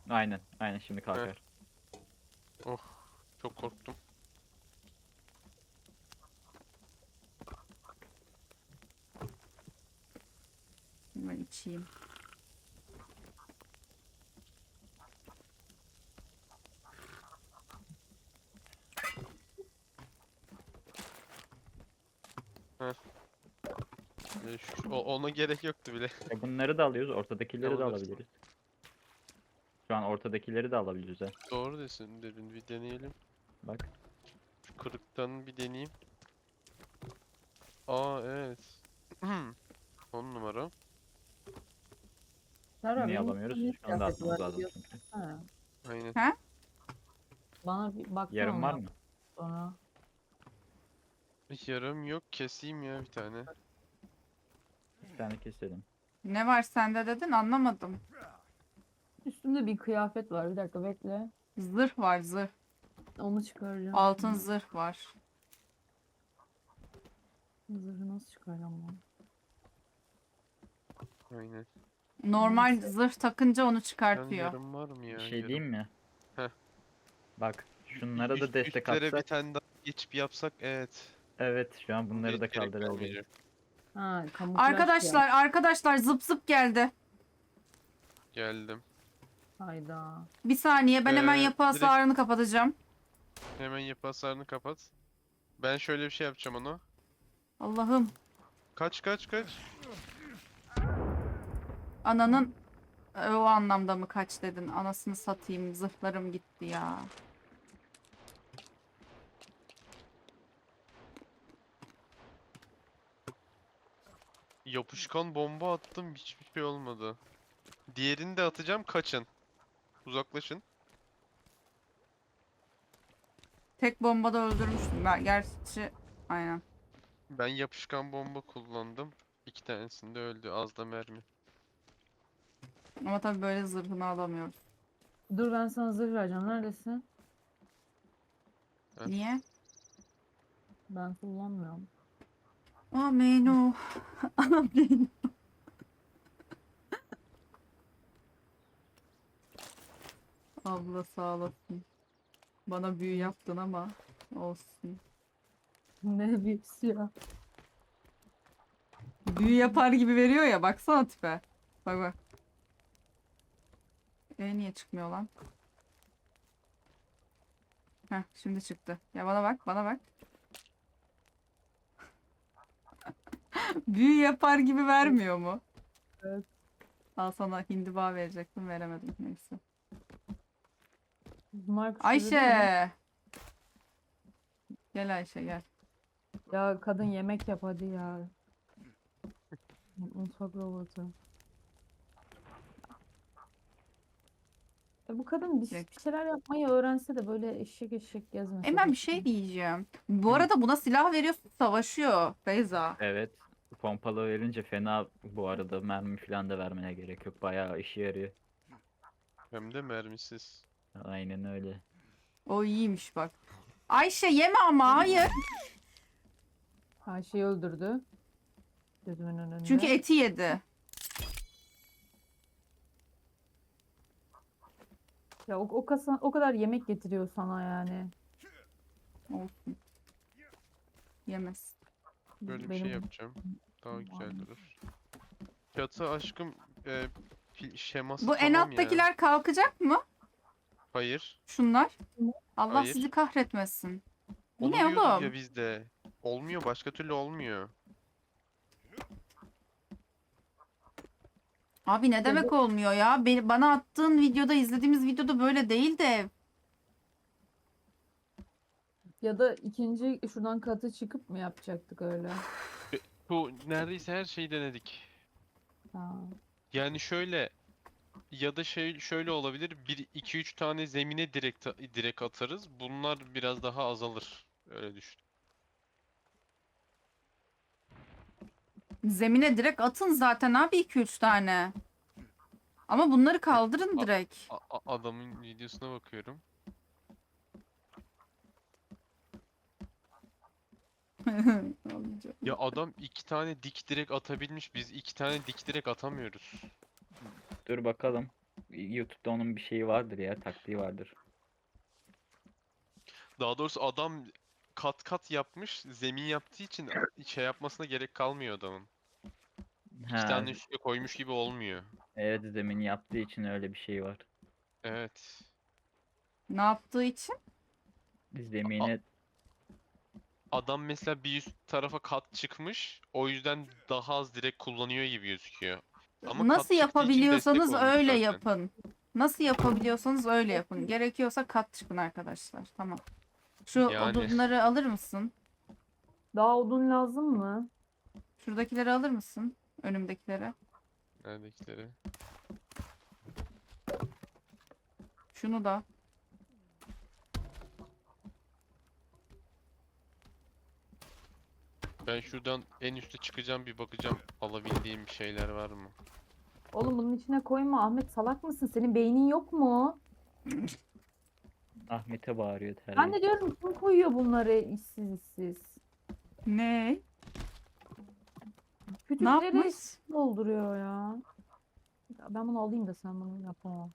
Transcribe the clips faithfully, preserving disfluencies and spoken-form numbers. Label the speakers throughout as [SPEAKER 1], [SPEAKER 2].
[SPEAKER 1] Aynen. Aynen şimdi
[SPEAKER 2] Heh.
[SPEAKER 1] kalkar.
[SPEAKER 2] Oh. Çok korktum.
[SPEAKER 3] Ben içeyim.
[SPEAKER 2] Heh. Ee, şu- o- ona gerek yoktu bile.
[SPEAKER 1] E bunları da alıyoruz. Ortadakileri de
[SPEAKER 2] Alınır.
[SPEAKER 1] alabiliriz. Şu an ortadakileri de alabiliriz ha.
[SPEAKER 2] Doğru desin dedin. Bir deneyelim.
[SPEAKER 1] Bak.
[SPEAKER 2] Şu kırıktan bir deneyeyim. Aa evet. On numara.
[SPEAKER 4] Serra
[SPEAKER 1] Niye
[SPEAKER 4] benim
[SPEAKER 1] alamıyoruz?
[SPEAKER 4] üstümde
[SPEAKER 1] Şu anda
[SPEAKER 4] kıyafet
[SPEAKER 1] atmamız
[SPEAKER 4] var
[SPEAKER 1] lazım
[SPEAKER 4] biliyorsun.
[SPEAKER 1] çünkü.
[SPEAKER 4] Ha.
[SPEAKER 2] Aynen.
[SPEAKER 3] Ha?
[SPEAKER 4] Bana bir baksana
[SPEAKER 1] Yarım var
[SPEAKER 4] ondan
[SPEAKER 1] mı?
[SPEAKER 4] sonra.
[SPEAKER 2] Yarım yok. Keseyim ya bir tane.
[SPEAKER 1] Bir tane keselim.
[SPEAKER 3] Ne var sende dedin anlamadım.
[SPEAKER 4] Üstümde bir kıyafet var. Bir dakika bekle.
[SPEAKER 3] Zırh var zırh.
[SPEAKER 4] Onu çıkaracağım.
[SPEAKER 3] Altın zırh var.
[SPEAKER 4] Zırhı nasıl çıkaracağım ben?
[SPEAKER 2] Aynen.
[SPEAKER 3] Normal
[SPEAKER 4] Neyse.
[SPEAKER 3] zırh takınca onu
[SPEAKER 2] Ben
[SPEAKER 3] çıkartıyor.
[SPEAKER 2] yarım var mı ya?
[SPEAKER 1] Bir şey
[SPEAKER 2] Yarım.
[SPEAKER 1] diyeyim mi?
[SPEAKER 2] Heh.
[SPEAKER 1] Bak.
[SPEAKER 2] Bir
[SPEAKER 1] Şunlara
[SPEAKER 2] üst-
[SPEAKER 1] da destek
[SPEAKER 2] üstlere bir
[SPEAKER 1] atsak.
[SPEAKER 2] tane daha geçip yapsak evet.
[SPEAKER 1] Evet. Şu an bunları
[SPEAKER 2] Hiç
[SPEAKER 1] da
[SPEAKER 2] gerek
[SPEAKER 1] kaldırabiliriz.
[SPEAKER 2] kalmayacak.
[SPEAKER 4] Ha, kamuflaj
[SPEAKER 3] Arkadaşlar arkadaşlar zıp zıp geldi.
[SPEAKER 2] Geldim.
[SPEAKER 4] kıyafet. Hayda.
[SPEAKER 3] Bir saniye ben hemen
[SPEAKER 2] Ee,
[SPEAKER 3] yapı
[SPEAKER 2] direkt-
[SPEAKER 3] hasarını kapatacağım.
[SPEAKER 2] Hemen yapı hasarını kapat. Ben şöyle bir şey yapacağım ona.
[SPEAKER 3] Allah'ım.
[SPEAKER 2] Kaç kaç kaç.
[SPEAKER 3] Ananın e, o anlamda mı kaç dedin? Anasını satayım. Zırhlarım gitti ya.
[SPEAKER 2] Yapışkan bomba attım hiçbir şey olmadı. Diğerini de atacağım kaçın. Uzaklaşın.
[SPEAKER 3] Tek bombada öldürmüştüm. Ben gerçi aynen.
[SPEAKER 2] Ben yapışkan bomba kullandım. İki tanesinde öldü. Az da mermi.
[SPEAKER 3] Ama tabii böyle zırhını alamıyoruz.
[SPEAKER 4] Dur ben sana zırh vereceğim. Neredesin?
[SPEAKER 2] Heh.
[SPEAKER 3] Niye?
[SPEAKER 4] Ben kullanmıyorum.
[SPEAKER 3] Aa Meyno. Ana Meyno. Abla sağ olasın. Bana büyü yaptın ama olsun.
[SPEAKER 4] Ne büyüsü ya.
[SPEAKER 3] Büyü yapar gibi veriyor ya baksana tipe. Bak bak. E niye çıkmıyor lan? Heh şimdi çıktı. Ya bana bak bana bak. Büyü yapar gibi vermiyor mu?
[SPEAKER 4] Evet.
[SPEAKER 3] Al sana hindiba verecektim veremedim neyse.
[SPEAKER 4] Bunlar kuşları değil mi?
[SPEAKER 3] Ayşe. Gel Ayşe gel.
[SPEAKER 4] Ya kadın yemek yap hadi ya. Mutfak robotu. E bu kadın bir,
[SPEAKER 3] Direkt.
[SPEAKER 4] bir şeyler yapmayı öğrense de böyle eşek eşek gezmese.
[SPEAKER 3] Hemen
[SPEAKER 4] de.
[SPEAKER 3] bir şey diyeceğim. Bu arada buna silah veriyorsun savaşıyor Beyza.
[SPEAKER 1] Evet. Pompalı verince fena bu arada mermi falan da vermene gerek yok. Bayağı işe yarıyor.
[SPEAKER 2] Hem de mermisiz.
[SPEAKER 1] Aynen öyle.
[SPEAKER 3] O iyiymiş bak. Ayşe yeme ama hayır.
[SPEAKER 4] Ayşe'yi öldürdü. Gözümün önünde.
[SPEAKER 3] Çünkü eti yedi.
[SPEAKER 4] Ya o, o, kasa, o kadar yemek getiriyor sana yani.
[SPEAKER 3] Olsun. Yemez.
[SPEAKER 2] Böyle bir
[SPEAKER 4] Benim
[SPEAKER 2] şey yapacağım. Daha güzel durur. Çatı aşkım e, pil- şeması
[SPEAKER 3] Bu en
[SPEAKER 2] tamam ya.
[SPEAKER 3] alttakiler kalkacak mı?
[SPEAKER 2] Hayır.
[SPEAKER 3] Şunlar. Allah
[SPEAKER 2] Hayır.
[SPEAKER 3] sizi kahretmesin. Bu
[SPEAKER 2] Onu
[SPEAKER 3] ne
[SPEAKER 2] diyorduk
[SPEAKER 3] oğlum?
[SPEAKER 2] ya bizde. Olmuyor. Başka türlü olmuyor.
[SPEAKER 3] Abi ne demek olmuyor ya? Beni, bana attığın videoda izlediğimiz videoda böyle değil de.
[SPEAKER 4] Ya da ikinci şuradan katı çıkıp mı yapacaktık öyle?
[SPEAKER 2] Bu neredeyse her şeyi denedik.
[SPEAKER 4] Ha.
[SPEAKER 2] Yani şöyle ya da şey şöyle olabilir. Bir iki üç tane zemine direkt direkt atarız. Bunlar biraz daha azalır. Öyle düşün.
[SPEAKER 3] Zemine direkt atın zaten abi iki üç tane. Ama bunları kaldırın
[SPEAKER 2] A-
[SPEAKER 3] direkt.
[SPEAKER 2] A- a- adamın videosuna bakıyorum. Ya adam iki tane dik direkt atabilmiş. Biz iki tane dik direkt atamıyoruz.
[SPEAKER 1] Dur bakalım. YouTube'da onun bir şeyi vardır ya, taktiği vardır.
[SPEAKER 2] Daha doğrusu adam kat kat yapmış. Zemin yaptığı için şey yapmasına gerek kalmıyor adamın. İki
[SPEAKER 1] Ha,
[SPEAKER 2] tane üstüne koymuş gibi olmuyor.
[SPEAKER 1] evet, zemin yaptığı için öyle bir şey var.
[SPEAKER 2] Evet.
[SPEAKER 3] Ne yaptığı için?
[SPEAKER 2] A-
[SPEAKER 1] Zemine
[SPEAKER 2] adam mesela bir üst tarafa kat çıkmış. O yüzden daha az direkt kullanıyor gibi gözüküyor. Ama
[SPEAKER 3] Nasıl
[SPEAKER 2] kat çıktığı için destek
[SPEAKER 3] yapabiliyorsanız
[SPEAKER 2] olmuş
[SPEAKER 3] öyle
[SPEAKER 2] zaten.
[SPEAKER 3] yapın. Nasıl yapabiliyorsanız öyle yapın. Gerekiyorsa kat çıkın arkadaşlar. Tamam. Şu
[SPEAKER 2] Yani
[SPEAKER 3] odunları alır mısın?
[SPEAKER 4] Daha odun lazım mı?
[SPEAKER 3] Şuradakileri alır mısın? Önümdekileri.
[SPEAKER 2] neredekileri?
[SPEAKER 3] Şunu da.
[SPEAKER 2] Ben şuradan en üste çıkacağım, bir bakacağım alabildiğim bir şeyler var mı?
[SPEAKER 4] Oğlum bunun içine koyma Ahmet, salak mısın? Senin beynin yok mu?
[SPEAKER 1] Ahmet'e bağırıyor
[SPEAKER 4] Ben de
[SPEAKER 1] terbiyesiz.
[SPEAKER 4] diyorum kim koyuyor bunları işsiz işsiz.
[SPEAKER 3] Ne? Ne
[SPEAKER 4] Kütükleri
[SPEAKER 3] yapmış?
[SPEAKER 4] dolduruyor ya. Ya ben bunu alayım da sen bunu yapamam.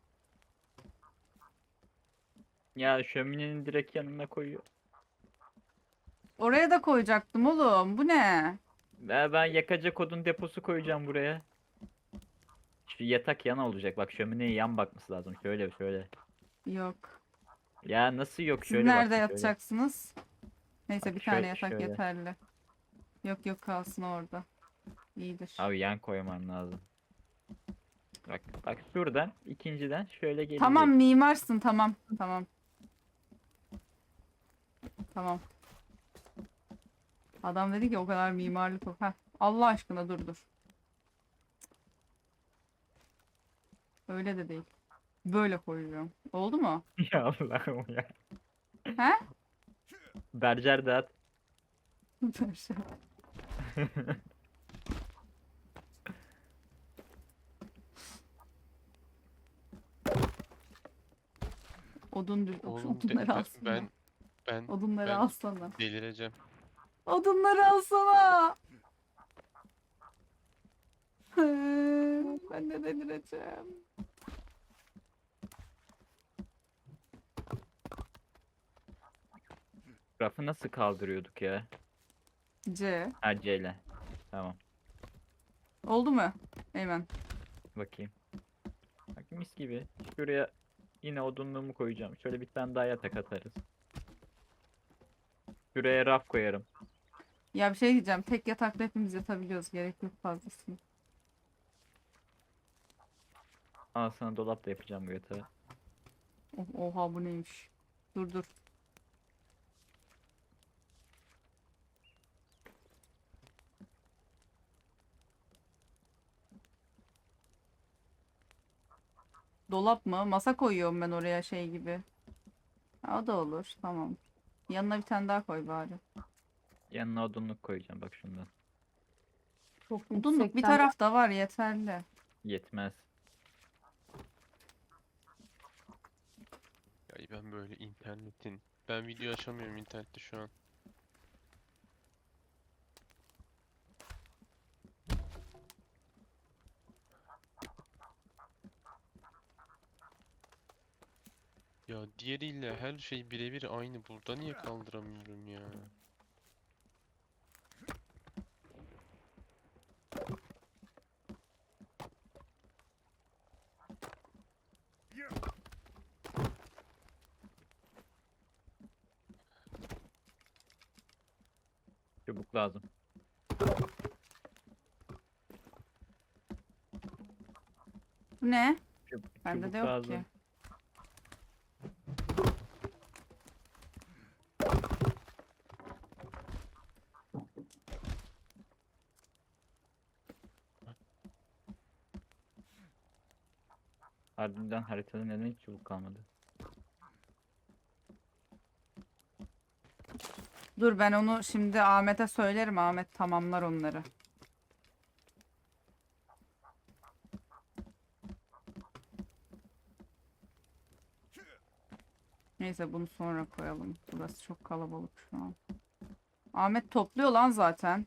[SPEAKER 1] Ya şöminenin direkt yanına koyuyor.
[SPEAKER 3] Oraya da koyacaktım oğlum. Bu ne?
[SPEAKER 1] Ya ben yakacak odun deposu koyacağım buraya. Şu yatak yan olacak. Bak, şömineye yan bakması lazım. Şöyle şöyle.
[SPEAKER 3] Yok.
[SPEAKER 1] Ya nasıl yok?
[SPEAKER 3] Siz
[SPEAKER 1] Şöyle
[SPEAKER 3] nerede
[SPEAKER 1] bakın, şöyle.
[SPEAKER 3] yatacaksınız? Neyse
[SPEAKER 1] Bak
[SPEAKER 3] bir tane
[SPEAKER 1] şöyle-
[SPEAKER 3] yatak
[SPEAKER 1] şöyle.
[SPEAKER 3] yeterli. Yok yok kalsın orada. İyidir.
[SPEAKER 1] Abi yan koyman lazım. Bak bak şuradan ikinciden şöyle gelecek.
[SPEAKER 3] Tamam mimarsın tamam. Tamam. Tamam. Adam dedi ki o kadar mimarlık yok. Heh, Allah aşkına dur dur. Öyle de değil. Böyle koyuyorum. Oldu mu?
[SPEAKER 1] Ya Allah'ım ya.
[SPEAKER 3] He?
[SPEAKER 1] Bercer dağıt.
[SPEAKER 3] Dur şey. Odun düz.
[SPEAKER 2] Oğlum de-
[SPEAKER 3] Odunları
[SPEAKER 2] ben,
[SPEAKER 3] alsana.
[SPEAKER 2] ben ben
[SPEAKER 3] Odunları
[SPEAKER 2] ben
[SPEAKER 3] alsana.
[SPEAKER 2] delireceğim.
[SPEAKER 3] Odunları alsana. Ben de delireceğim.
[SPEAKER 1] Rafı nasıl kaldırıyorduk ya?
[SPEAKER 3] C.
[SPEAKER 1] Ha, C ile. Tamam.
[SPEAKER 3] Oldu mu? Eymen.
[SPEAKER 1] Bakayım. Bak mis gibi. Şuraya yine odunluğumu koyacağım. Şöyle bir tane daha yatak atarız. Şuraya raf koyarım.
[SPEAKER 3] Ya bir şey diyeceğim. Tek yatakta hepimiz yatabiliyoruz. Gerek yok fazlasını.
[SPEAKER 1] Al sana dolap da yapacağım bu yatağı.
[SPEAKER 3] Oh, oha bu neymiş? Dur dur. Dolap mı? Masa koyuyorum ben oraya şey gibi. Ha, o da olur. Tamam. Yanına bir tane daha koy bari.
[SPEAKER 1] Yanına odunluk koyacağım bak şundan.
[SPEAKER 4] Çok
[SPEAKER 3] Odunluk bir
[SPEAKER 4] yüksekten
[SPEAKER 3] tarafta var yeterli.
[SPEAKER 1] Yetmez.
[SPEAKER 2] Ya ben böyle internetin. Ben video açamıyorum internette şu an. Ya diğeriyle her şey birebir aynı. Burada niye kaldıramıyorum ya?
[SPEAKER 1] Çubuk lazım.
[SPEAKER 3] Bu ne?
[SPEAKER 1] Çub-
[SPEAKER 3] Bende
[SPEAKER 1] çubuk
[SPEAKER 3] de yok
[SPEAKER 1] lazım.
[SPEAKER 3] ki.
[SPEAKER 1] Harbiden haritada neden hiç çubuk kalmadı?
[SPEAKER 3] Dur ben onu şimdi Ahmet'e söylerim. Ahmet tamamlar onları. Neyse bunu sonra koyalım. Burası çok kalabalık şu an. Ahmet topluyor lan zaten.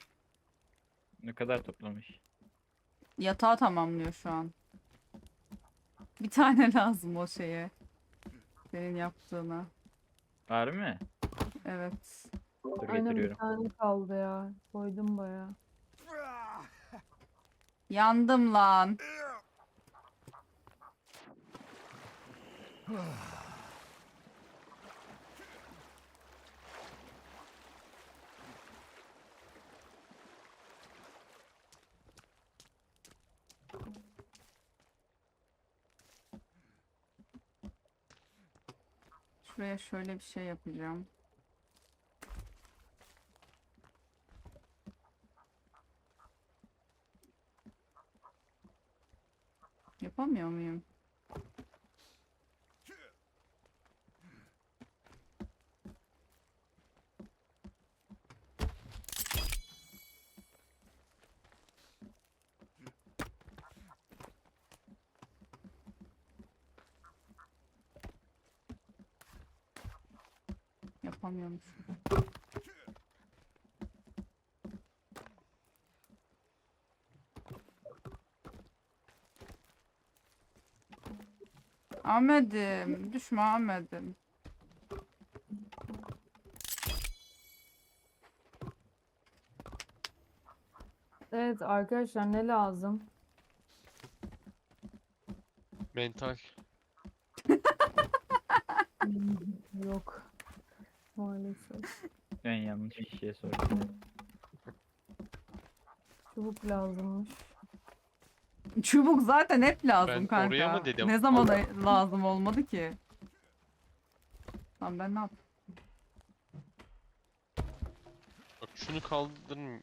[SPEAKER 1] Ne kadar toplamış?
[SPEAKER 3] Yatağı tamamlıyor şu an. Bir tane lazım o şeye. Senin yaptığına.
[SPEAKER 1] Var mı?
[SPEAKER 3] Evet.
[SPEAKER 1] Dur
[SPEAKER 4] Aynen bir
[SPEAKER 1] getiriyorum.
[SPEAKER 4] tane kaldı ya. Koydum baya.
[SPEAKER 3] Yandım lan. Şuraya şöyle bir şey yapacağım. Yapamıyor muyum? Yapamıyormuş. Ahmet'im, düşme Ahmet'im.
[SPEAKER 4] Evet arkadaşlar ne lazım?
[SPEAKER 2] Mental.
[SPEAKER 4] Hmm, Yok. Maalesef.
[SPEAKER 1] Ben yanlış bir şey sordum.
[SPEAKER 4] Çubuk lazımmış.
[SPEAKER 3] Çubuk zaten hep lazım
[SPEAKER 2] Ben
[SPEAKER 3] kanka.
[SPEAKER 2] oraya mı dedim?
[SPEAKER 3] Ne zaman lazım olmadı ki? Lan ben ne yaptım?
[SPEAKER 2] Bak şunu kaldırın.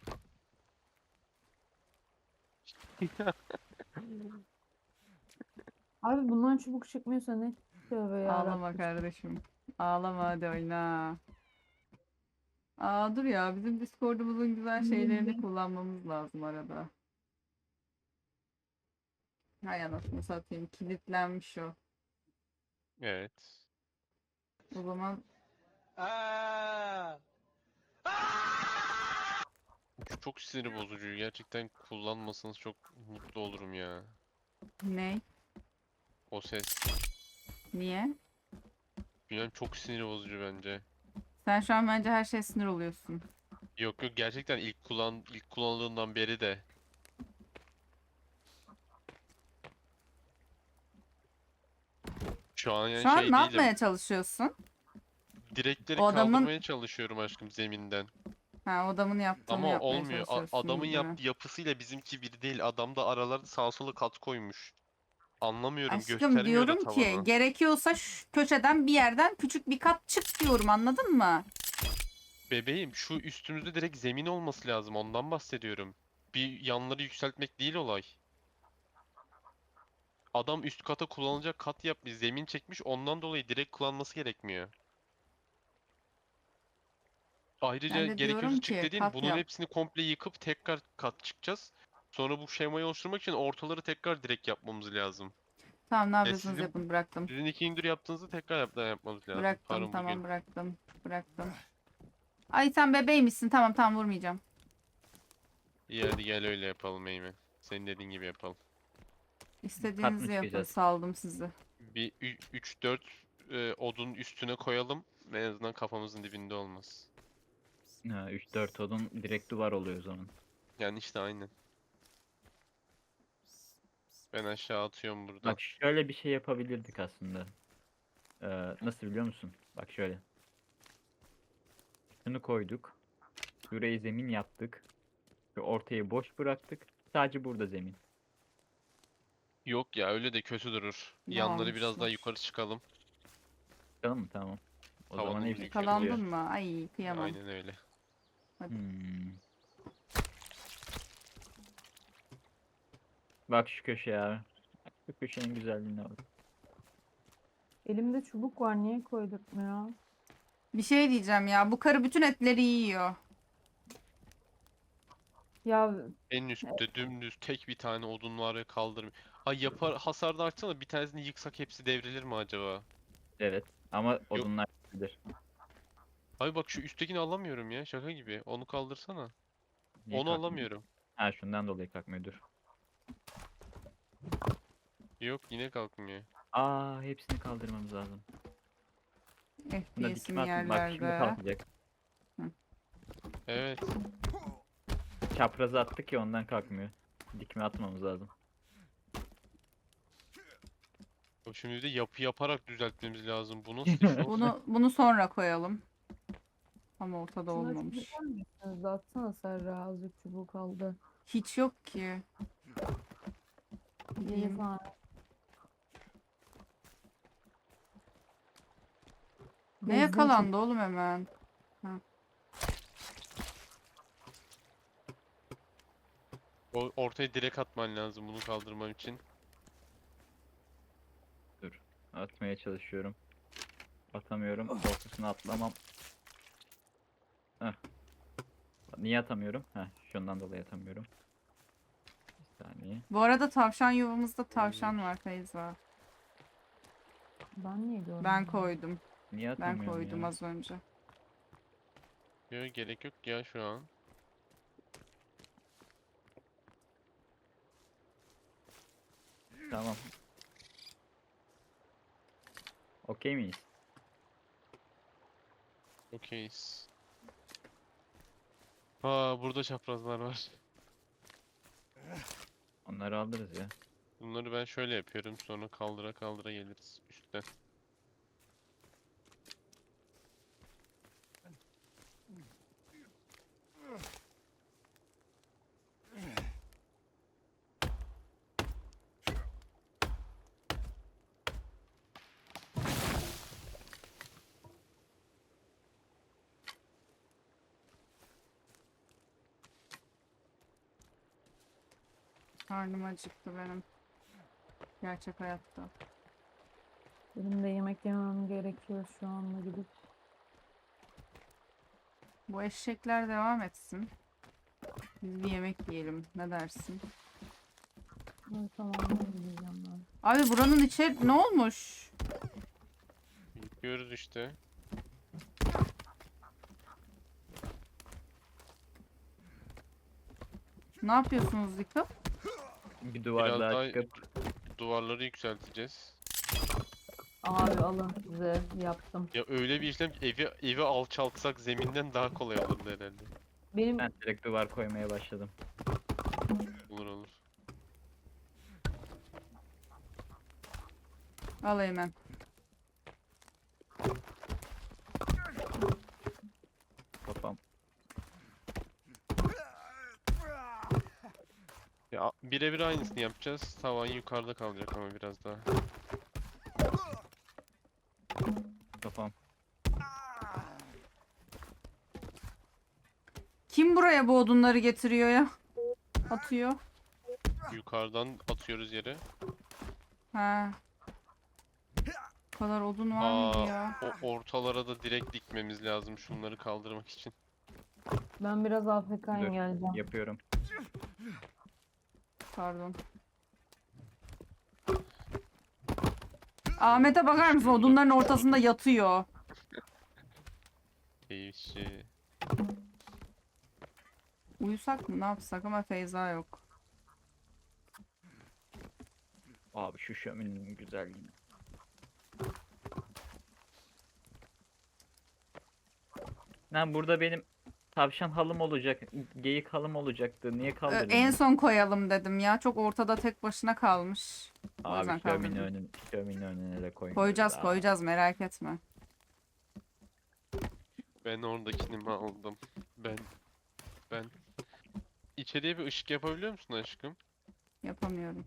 [SPEAKER 4] Abi bundan çubuk çıkmıyorsa ne? Tövbe
[SPEAKER 3] Ağlama
[SPEAKER 4] yarabbim.
[SPEAKER 3] kardeşim. Ağlama hadi oyna. Aa dur ya, bizim Discord'umuzun güzel şeylerini kullanmamız lazım arada. Hay anasını satayım, kilitlenmiş o.
[SPEAKER 2] Evet.
[SPEAKER 3] O zaman
[SPEAKER 2] Bu çok sinir bozucu. Gerçekten kullanmasanız çok mutlu olurum ya.
[SPEAKER 3] ne?
[SPEAKER 2] O ses.
[SPEAKER 3] Niye?
[SPEAKER 2] Bilmem, çok sinir bozucu bence.
[SPEAKER 3] Sen şu an bence her şeye sinir oluyorsun.
[SPEAKER 2] Yok yok, gerçekten ilk kullan ilk kullanıldığından beri de. Şu an yani
[SPEAKER 3] Şu an
[SPEAKER 2] şey
[SPEAKER 3] ne
[SPEAKER 2] değilim.
[SPEAKER 3] yapmaya çalışıyorsun?
[SPEAKER 2] Direkleri
[SPEAKER 3] O adamın-
[SPEAKER 2] kaldırmaya çalışıyorum aşkım zeminden.
[SPEAKER 3] Ha, o adamın yaptığını
[SPEAKER 2] Ama
[SPEAKER 3] yapmaya
[SPEAKER 2] olmuyor. A-
[SPEAKER 3] çalışıyorsun
[SPEAKER 2] adamın
[SPEAKER 3] gibi mi?
[SPEAKER 2] yaptığı yapısıyla bizimki bir değil. Adam da aralarda sağa sola kat koymuş. Anlamıyorum,
[SPEAKER 3] Aşkım
[SPEAKER 2] göstermiyor da
[SPEAKER 3] diyorum ki
[SPEAKER 2] tavanı.
[SPEAKER 3] gerekiyorsa şu köşeden bir yerden küçük bir kat çık diyorum, anladın mı?
[SPEAKER 2] Bebeğim, şu üstümüzde direkt zemin olması lazım, ondan bahsediyorum. Bir yanları yükseltmek değil olay. Adam üst kata kullanılacak kat yapmış, zemin çekmiş, ondan dolayı direkt kullanması gerekmiyor. Ayrıca
[SPEAKER 3] Ben de
[SPEAKER 2] gerekiyorsa
[SPEAKER 3] diyorum
[SPEAKER 2] çık
[SPEAKER 3] ki
[SPEAKER 2] dediğin
[SPEAKER 3] kat
[SPEAKER 2] bunun
[SPEAKER 3] yap.
[SPEAKER 2] hepsini komple yıkıp tekrar kat çıkacağız. Sonra bu şemayı oluşturmak için ortaları tekrar direkt yapmamız lazım.
[SPEAKER 3] Tamam, ne
[SPEAKER 2] E
[SPEAKER 3] yapıyorsunuz
[SPEAKER 2] sizin
[SPEAKER 3] yapın, bıraktım.
[SPEAKER 2] sizin iki indir yaptığınızı tekrar yap yapmamız lazım.
[SPEAKER 3] Bıraktım
[SPEAKER 2] Harun
[SPEAKER 3] tamam,
[SPEAKER 2] bugün.
[SPEAKER 3] bıraktım. Bıraktım. Ay sen bebeğmişsin, tamam tamam, vurmayacağım.
[SPEAKER 2] İyi, hadi gel öyle yapalım Eymen. Senin dediğin gibi yapalım.
[SPEAKER 3] İstediğinizi
[SPEAKER 1] mı
[SPEAKER 3] yapın,
[SPEAKER 1] çıkacağız?
[SPEAKER 3] saldım sizi.
[SPEAKER 2] Bir üç dört e, odun üstüne koyalım. En azından kafamızın dibinde olmaz.
[SPEAKER 1] Ha, üç dört odun direkt duvar oluyor o zaman.
[SPEAKER 2] Yani işte aynen. Ben aşağı atıyorum burada.
[SPEAKER 1] Bak şöyle bir şey yapabilirdik aslında. Ee, nasıl biliyor musun? Bak şöyle. Şunu koyduk. Şurayı zemin yaptık. Şu ortayı boş bıraktık. Sadece burada zemin.
[SPEAKER 2] Yok ya, öyle de kötü durur.
[SPEAKER 3] Ne
[SPEAKER 2] Yanları biraz daha
[SPEAKER 3] almışlar?
[SPEAKER 2] yukarı çıkalım.
[SPEAKER 1] Tamam mı? Tamam. O zaman
[SPEAKER 2] Tavanımız
[SPEAKER 1] hepsi
[SPEAKER 2] yükseliyor.
[SPEAKER 3] Yakalandın mı? Ay kıyamam.
[SPEAKER 2] Aynen öyle.
[SPEAKER 1] Hmm. Bak şu köşeye abi. Bak şu köşenin güzelliğine bak.
[SPEAKER 4] Elimde çubuk var niye koydurtmuyor?
[SPEAKER 3] Bir şey diyeceğim ya, bu karı bütün etleri yiyor.
[SPEAKER 4] Ya
[SPEAKER 2] En üstte dümdüz tek bir tane odun var ve kaldırmıyor. Ay, yapar hasar da artsana, bir tanesini yıksak hepsi devrilir mi acaba?
[SPEAKER 1] Evet. Ama odunlar bilir.
[SPEAKER 2] Ay bak, şu üsttekini alamıyorum ya, şaka gibi. Onu kaldırsana.
[SPEAKER 1] Niye
[SPEAKER 2] Onu
[SPEAKER 1] kalkmıyor?
[SPEAKER 2] alamıyorum.
[SPEAKER 1] Ha, şundan dolayı kalkmıyor, dur.
[SPEAKER 2] Yo Yok yine kalkmıyor.
[SPEAKER 1] Aa, hepsini kaldırmamız lazım. Buna
[SPEAKER 3] F P S'im
[SPEAKER 1] dikme atın. Bak şimdi
[SPEAKER 3] yerlerde.
[SPEAKER 1] kalkacak.
[SPEAKER 2] Evet.
[SPEAKER 1] Çaprazı attık ya, ondan kalkmıyor. Dikme atmamız lazım.
[SPEAKER 2] O şimdi bir de yapı yaparak düzeltmemiz lazım. Bu nasıl iş oğlum?
[SPEAKER 3] Bunu bunu sonra koyalım. Ama ortada
[SPEAKER 4] Şuna
[SPEAKER 3] olmamış.
[SPEAKER 4] çubuk misiniz? Atsana Serra, azıcık çubuğu kaldı.
[SPEAKER 3] Hiç yok ki.
[SPEAKER 4] Yedi
[SPEAKER 3] Bileyim.
[SPEAKER 4] tane.
[SPEAKER 3] Ne
[SPEAKER 4] Bezdiği
[SPEAKER 3] yakalandı oğlum hemen?
[SPEAKER 2] O ortaya direkt atman lazım bunu kaldırmam için.
[SPEAKER 1] Atmaya çalışıyorum. Atamıyorum. Ortasına atlamam. Heh. Niye atamıyorum? Heh, şundan dolayı atamıyorum. Bir saniye.
[SPEAKER 3] Bu arada tavşan yuvamızda tavşan var Feyza.
[SPEAKER 4] çubuk. Ben niye görmedim?
[SPEAKER 3] Ben koydum.
[SPEAKER 1] Niye
[SPEAKER 3] Ben
[SPEAKER 1] atamıyorum
[SPEAKER 3] koydum
[SPEAKER 1] ya?
[SPEAKER 3] az önce.
[SPEAKER 2] Yok gerek yok ya şu an.
[SPEAKER 1] Tamam. Okey miyiz?
[SPEAKER 2] Okeyiz. Aa burada çaprazlar var.
[SPEAKER 1] Onları alırız ya.
[SPEAKER 2] Bunları ben şöyle yapıyorum sonra kaldıra kaldıra geliriz üstten.
[SPEAKER 3] Karnım acıktı benim. Gerçek hayatta.
[SPEAKER 4] Benim de yemek yemem gerekiyor şu anda gidip.
[SPEAKER 3] Bu eşekler devam etsin. Biz bir yemek yiyelim. Ne dersin?
[SPEAKER 4] Evet, tamam ben gideceğim ben.
[SPEAKER 3] Abi buranın içi ne olmuş?
[SPEAKER 2] Yıkıyoruz işte.
[SPEAKER 3] Ne yapıyorsunuz yıkıp?
[SPEAKER 1] Bir duvar
[SPEAKER 2] Biraz
[SPEAKER 1] daha
[SPEAKER 2] daha
[SPEAKER 1] çıkıp
[SPEAKER 2] duvarları yükselteceğiz.
[SPEAKER 4] Abi alın size, yaptım.
[SPEAKER 2] Ya öyle bir işlem ki evi evi alçaltsak zeminden daha kolay olurdu herhalde.
[SPEAKER 4] Benim
[SPEAKER 1] ben direkt duvar koymaya başladım.
[SPEAKER 2] Olur olur.
[SPEAKER 3] Al hemen.
[SPEAKER 1] Kafam.
[SPEAKER 2] Ya birebir aynısını yapacağız. Tavan yukarıda kalacak ama biraz daha.
[SPEAKER 1] Kafam.
[SPEAKER 3] Kim buraya bu odunları getiriyor ya? Atıyor.
[SPEAKER 2] Yukarıdan atıyoruz yere.
[SPEAKER 3] Ha. Bu kadar odun var mıydı
[SPEAKER 2] Aa,
[SPEAKER 3] ya?
[SPEAKER 2] o ortalara da direkt dikmemiz lazım şunları kaldırmak için.
[SPEAKER 4] ben biraz A F K'yım,
[SPEAKER 1] Dur.
[SPEAKER 4] geleceğim.
[SPEAKER 1] Yapıyorum.
[SPEAKER 3] Pardon. Ahmet'e bakar mısın? Odunların ortasında yatıyor.
[SPEAKER 2] Keyifçi.
[SPEAKER 3] Uyusak mı? Ne yapsak ama Feyza yok.
[SPEAKER 1] Abi şu şöminenin güzelliğine. Lan burada benim tavşan halım olacak, geyik halım olacaktı. Niye
[SPEAKER 3] Ee,
[SPEAKER 1] kaldırdın?
[SPEAKER 3] en son koyalım dedim ya. Çok ortada tek başına kalmış. O yüzden
[SPEAKER 1] Abi şömine
[SPEAKER 3] kaldırdım.
[SPEAKER 1] önüne, şömine önüne de koymuyoruz.
[SPEAKER 3] Koyacağız
[SPEAKER 1] Aa.
[SPEAKER 3] koyacağız merak etme.
[SPEAKER 2] Ben oradakini mi aldım? Ben ben içeriye bir ışık yapabiliyor musun aşkım?
[SPEAKER 3] Yapamıyorum.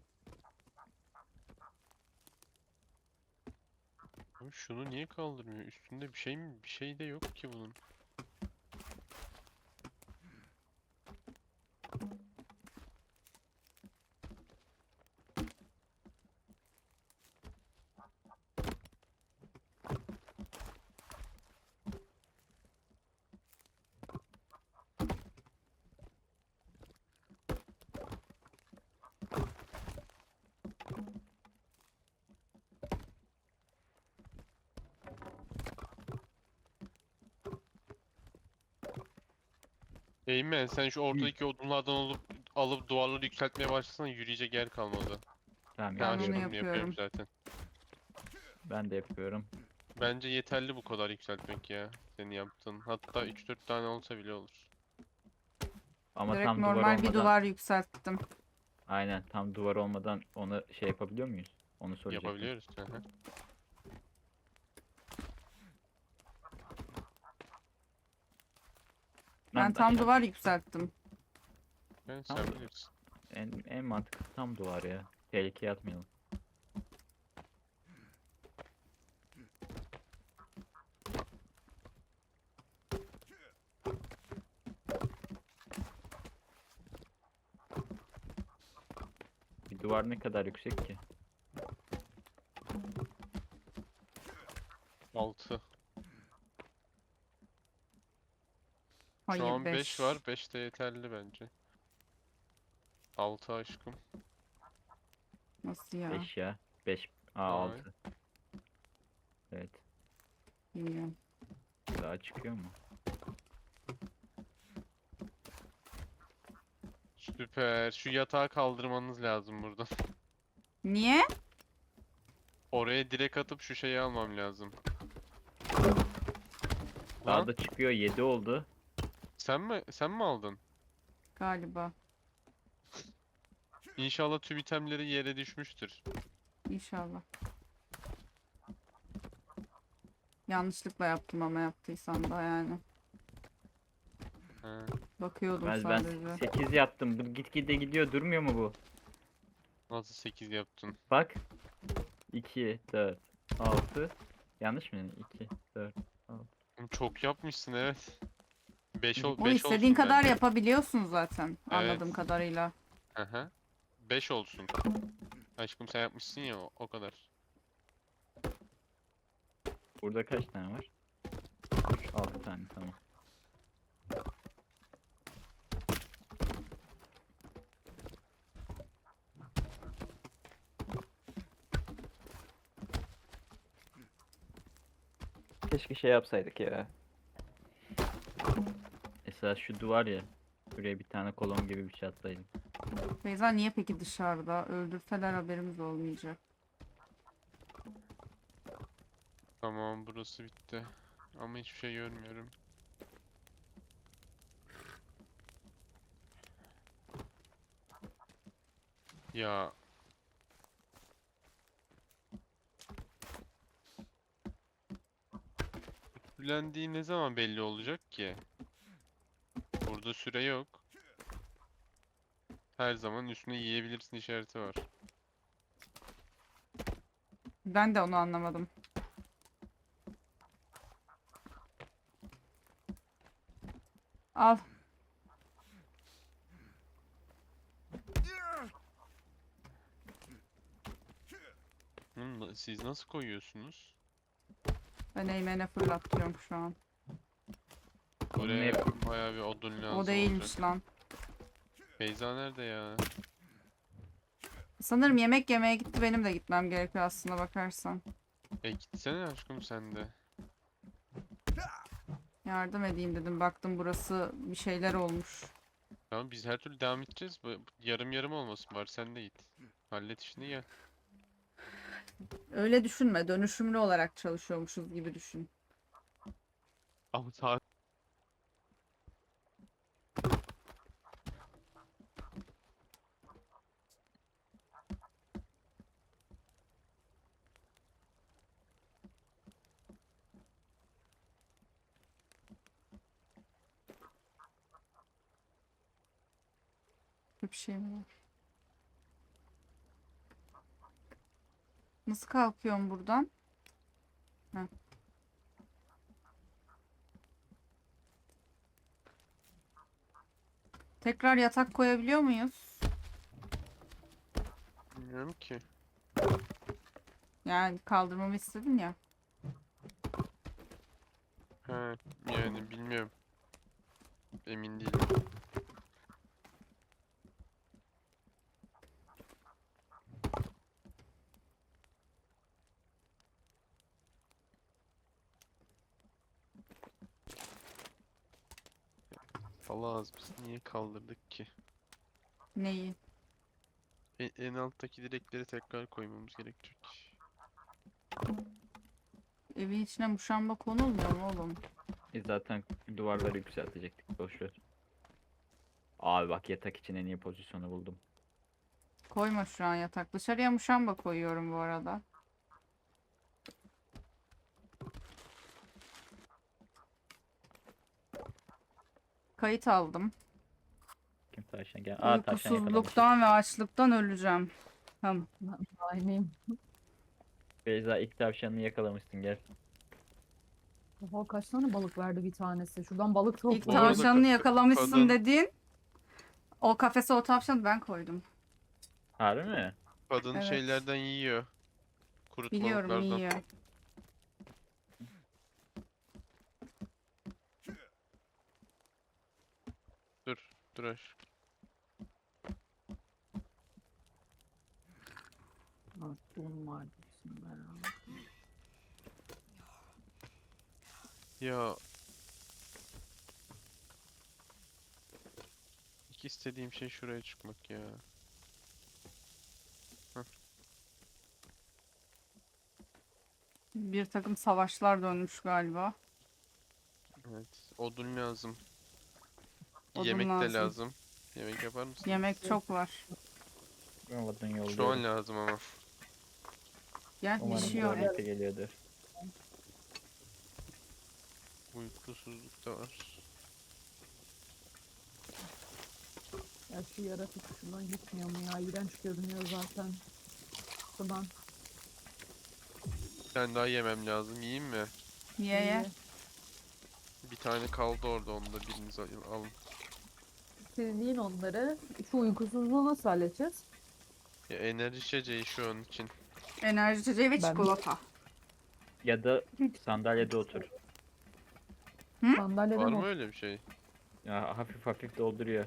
[SPEAKER 2] Abi şunu niye kaldırmıyor? Üstünde bir şey mi? Bir şey de yok ki bunun. Eymen sen şu ortadaki odunlardan alıp alıp duvarları yükseltmeye başlasana yürüyecek yer kalmadı.
[SPEAKER 1] Tamam
[SPEAKER 2] Ben
[SPEAKER 3] Ben onu
[SPEAKER 1] yapıyorum.
[SPEAKER 2] aşkım yapıyorum
[SPEAKER 3] yapıyorum.
[SPEAKER 2] zaten.
[SPEAKER 1] Ben de yapıyorum.
[SPEAKER 2] Bence yeterli bu kadar yükseltmek ya. Senin yaptığın. Hatta üç dört tane olsa bile olur.
[SPEAKER 1] Ama
[SPEAKER 3] Direkt
[SPEAKER 1] tam duvar
[SPEAKER 3] normal bir
[SPEAKER 1] olmadan
[SPEAKER 3] duvar yükselttim.
[SPEAKER 1] aynen tam duvar olmadan onu şey yapabiliyor muyuz? Onu soracaktım.
[SPEAKER 2] Yapabiliyoruz. Hı hı.
[SPEAKER 3] Ben
[SPEAKER 1] Lan
[SPEAKER 3] tam
[SPEAKER 1] aşağı-
[SPEAKER 3] duvar yükselttim.
[SPEAKER 2] Ben
[SPEAKER 1] Tamam.
[SPEAKER 2] sen bilirsin.
[SPEAKER 1] En, en mantıklı tam duvar ya. Tehlikeye atmayalım. Bir duvar ne kadar yüksek ki?
[SPEAKER 2] altı.
[SPEAKER 3] Hayır
[SPEAKER 2] Şu an beş
[SPEAKER 3] beş.
[SPEAKER 2] var. beş de yeterli bence. altı aşkım.
[SPEAKER 3] Nasıl ya?
[SPEAKER 1] beş ya. beş. Aa
[SPEAKER 2] Vay.
[SPEAKER 1] altı. Evet.
[SPEAKER 3] Bilmiyorum.
[SPEAKER 1] Daha çıkıyor mu?
[SPEAKER 2] Süper. Şu yatağı kaldırmanız lazım buradan.
[SPEAKER 3] Niye?
[SPEAKER 2] Oraya direkt atıp şu şeyi almam lazım.
[SPEAKER 1] Daha
[SPEAKER 2] Lan
[SPEAKER 1] da çıkıyor. yedi oldu.
[SPEAKER 2] sen mi sen mi aldın?
[SPEAKER 3] Galiba.
[SPEAKER 2] İnşallah tüm itemleri yere düşmüştür.
[SPEAKER 3] İnşallah. Yanlışlıkla yaptım ama yaptıysam da yani.
[SPEAKER 2] He.
[SPEAKER 3] Bakıyordum
[SPEAKER 1] Ben, ben
[SPEAKER 3] sadece.
[SPEAKER 1] sekiz yaptım. Bu gitgide gidiyor. Durmuyor mu bu?
[SPEAKER 2] Nasıl sekiz yaptın?
[SPEAKER 1] Bak. iki, dört, altı. Yanlış mı? iki, dört.
[SPEAKER 2] Oğlum çok yapmışsın evet. beş
[SPEAKER 1] O
[SPEAKER 2] ol
[SPEAKER 3] O
[SPEAKER 2] beş
[SPEAKER 3] istediğin
[SPEAKER 2] olsun
[SPEAKER 3] kadar
[SPEAKER 2] bence.
[SPEAKER 3] yapabiliyorsun zaten. Anladığım
[SPEAKER 2] Evet.
[SPEAKER 3] kadarıyla.
[SPEAKER 2] Aha. beş olsun. Aşkım sen yapmışsın ya o, o kadar.
[SPEAKER 1] Burada kaç tane var? altı tane tamam. Keşke şey yapsaydık ya. Esas şu duvar ya. Buraya bir tane kolon gibi bir şey atsaydım.
[SPEAKER 3] Beyza niye peki dışarıda? Öldürseler haberimiz olmayacak.
[SPEAKER 2] Tamam burası bitti. Ama hiçbir şey görmüyorum. Ya Blendiği ne zaman belli olacak ki? Burada süre yok. Her zaman üstüne yiyebilirsin işareti var.
[SPEAKER 3] Ben de onu anlamadım. Al.
[SPEAKER 2] Hı, na- siz nasıl koyuyorsunuz?
[SPEAKER 3] Ben Eymen'e fırlatıyorum şu an.
[SPEAKER 1] Onu ne
[SPEAKER 2] Oraya
[SPEAKER 1] yapayım?
[SPEAKER 2] bayağı bir odun lazım
[SPEAKER 3] O değilmiş
[SPEAKER 2] olacak.
[SPEAKER 3] lan.
[SPEAKER 2] Beyza nerede ya?
[SPEAKER 3] Sanırım yemek yemeye gitti. Benim de gitmem gerekiyor aslında bakarsan.
[SPEAKER 2] E gitsene aşkım sen de.
[SPEAKER 3] Yardım edeyim dedim. Baktım burası bir şeyler olmuş.
[SPEAKER 2] Tamam biz her türlü devam edeceğiz. Bu- Yarım yarım olmasın bari sen de git. Hallet işini gel.
[SPEAKER 3] Öyle düşünme. Dönüşümlü olarak çalışıyormuşuz gibi düşün.
[SPEAKER 2] Ama saat
[SPEAKER 3] Bir şey mi var? Nasıl kalkıyorum buradan? Heh. Tekrar yatak koyabiliyor muyuz?
[SPEAKER 2] bilmiyorum ki.
[SPEAKER 3] Yani kaldırmamı istedin ya.
[SPEAKER 2] He yani bilmiyorum. Emin değilim. Allah az biz niye kaldırdık ki?
[SPEAKER 3] Neyi?
[SPEAKER 2] E- En alttaki direkleri tekrar koymamız gerekecek.
[SPEAKER 3] Evin içine muşamba konulmuyor mu oğlum?
[SPEAKER 1] E zaten duvarları yükseltecektik. Boş ver. Abi bak yatak için en iyi pozisyonu buldum.
[SPEAKER 3] Koyma şu an yatak. Dışarıya muşamba koyuyorum bu arada. Kayıt aldım.
[SPEAKER 1] Kim tavşan gel. Aa tavşan yakalamışız.
[SPEAKER 3] Uykusuzluktan ve açlıktan öleceğim. Tamam.
[SPEAKER 4] Ben aynıyım.
[SPEAKER 1] Beyza ilk tavşanını yakalamışsın gel.
[SPEAKER 4] Oha kaç tane balık verdi bir tanesi. Şuradan balık
[SPEAKER 3] İlk
[SPEAKER 4] toplayalım.
[SPEAKER 2] Bu arada
[SPEAKER 3] tavşanını
[SPEAKER 2] ka-
[SPEAKER 3] yakalamışsın
[SPEAKER 2] kadın-
[SPEAKER 3] dediğin o kafese o tavşanı ben koydum.
[SPEAKER 1] Harbi mi?
[SPEAKER 2] Kadın
[SPEAKER 3] Evet.
[SPEAKER 2] şeylerden yiyor.
[SPEAKER 3] Biliyorum
[SPEAKER 2] Kurutmalıklardan.
[SPEAKER 3] yiyor.
[SPEAKER 2] Dur, dur aşk.
[SPEAKER 4] Aklım vardı şimdi herhalde.
[SPEAKER 2] Ya. İlk istediğim şey şuraya çıkmak ya.
[SPEAKER 3] Bir takım savaşlar dönmüş galiba.
[SPEAKER 2] Evet. Odun lazım.
[SPEAKER 3] Odun
[SPEAKER 2] Yemek de
[SPEAKER 3] lazım.
[SPEAKER 2] lazım. Yemek yapar mısın?
[SPEAKER 3] Yemek çok var.
[SPEAKER 1] Olmadın yolluyorum.
[SPEAKER 2] Şu an lazım ama.
[SPEAKER 3] Gel
[SPEAKER 1] Umarım
[SPEAKER 3] pişiyor.
[SPEAKER 1] tuvalete geliyordur.
[SPEAKER 2] Uykusuzluk da var.
[SPEAKER 4] Ya şu yaratık şundan gitmiyor mu ya? İğrenç görünüyor zaten. Şuradan.
[SPEAKER 2] Bir tane daha yemem lazım. Yiyeyim mi?
[SPEAKER 3] Ye ye.
[SPEAKER 2] Bir tane kaldı orada. Onu da biriniz al- alın.
[SPEAKER 4] Siz yiyin onları. Şu uykusuzluğu nasıl halledeceğiz?
[SPEAKER 2] Ya enerji içeceği şu an için.
[SPEAKER 3] Enerji içeceği ve
[SPEAKER 4] Ben-
[SPEAKER 3] çikolata.
[SPEAKER 1] Ya da sandalyede otur.
[SPEAKER 4] Sandalyede
[SPEAKER 2] Var
[SPEAKER 4] mi?
[SPEAKER 2] mı öyle bir şey?
[SPEAKER 1] Ya hafif hafif dolduruyor.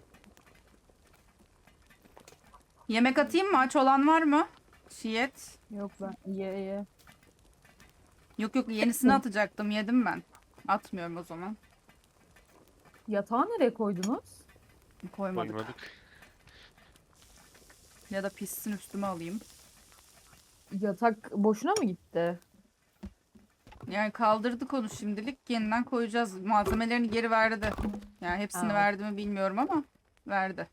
[SPEAKER 3] Yemek atayım mı? Aç olan var mı? Şiyet.
[SPEAKER 4] Yok ben ye ye.
[SPEAKER 3] Yok yok yenisini atacaktım. Yedim ben. Atmıyorum o zaman.
[SPEAKER 4] Yatağı nereye koydunuz?
[SPEAKER 3] Koymadık.
[SPEAKER 2] Koymadık.
[SPEAKER 3] Ya da pissin üstüme alayım.
[SPEAKER 4] Yatak boşuna mı gitti?
[SPEAKER 3] Yani kaldırdık onu şimdilik. Yeniden koyacağız. Malzemelerini geri verdi. Yani hepsini
[SPEAKER 4] Ha.
[SPEAKER 3] verdi mi bilmiyorum ama verdi.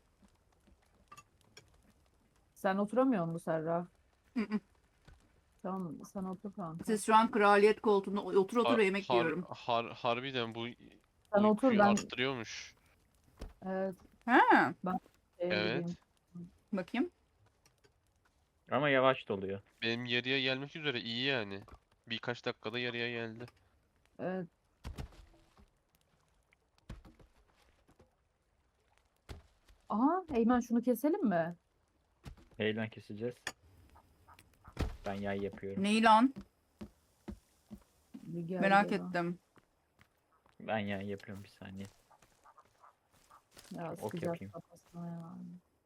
[SPEAKER 4] Sen oturamıyor musun Serra?
[SPEAKER 3] Hı hı.
[SPEAKER 4] Tamam sen otur kanka.
[SPEAKER 3] Siz şu an kraliyet koltuğunda otur otur
[SPEAKER 2] Har-
[SPEAKER 3] yemek
[SPEAKER 2] har-
[SPEAKER 3] yiyorum.
[SPEAKER 2] har- harbiden bu
[SPEAKER 4] Sen otur
[SPEAKER 2] uykuyu
[SPEAKER 4] ben
[SPEAKER 2] arttırıyormuş.
[SPEAKER 4] evet,
[SPEAKER 3] Ha,
[SPEAKER 4] şeye
[SPEAKER 2] Evet.
[SPEAKER 4] gideyim.
[SPEAKER 3] bakayım.
[SPEAKER 1] Ama yavaş doluyor.
[SPEAKER 2] Benim yarıya gelmek üzere iyi yani. Birkaç dakikada yarıya geldi.
[SPEAKER 4] Evet. Aha Eymen şunu keselim mi?
[SPEAKER 1] Heyelan keseceğiz. Ben yay yapıyorum.
[SPEAKER 3] Neyi lan?
[SPEAKER 4] Bir geldi
[SPEAKER 3] Merak
[SPEAKER 4] bana.
[SPEAKER 3] ettim.
[SPEAKER 1] Ben yay yapıyorum bir saniye.
[SPEAKER 4] Ya
[SPEAKER 1] Ok
[SPEAKER 4] sıkacak
[SPEAKER 1] yapayım.
[SPEAKER 4] kafasına ya.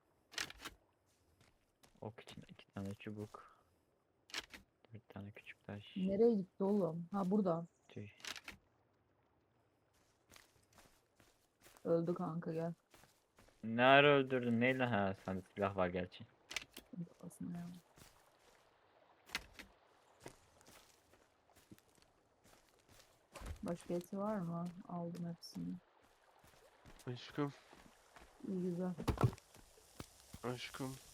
[SPEAKER 1] Ok için iki tane çubuk. Bir tane küçük taş.
[SPEAKER 4] Nereye gitti oğlum? Ha burada.
[SPEAKER 1] Tüy.
[SPEAKER 4] Öldü kanka gel.
[SPEAKER 1] Ne ara öldürdün? Neyle? Ha sende silah var gerçi.
[SPEAKER 4] Kafasına ya. Başka eti var mı? Aldım hepsini.
[SPEAKER 2] Aşkım,
[SPEAKER 4] İyi güzel.
[SPEAKER 2] aşkım.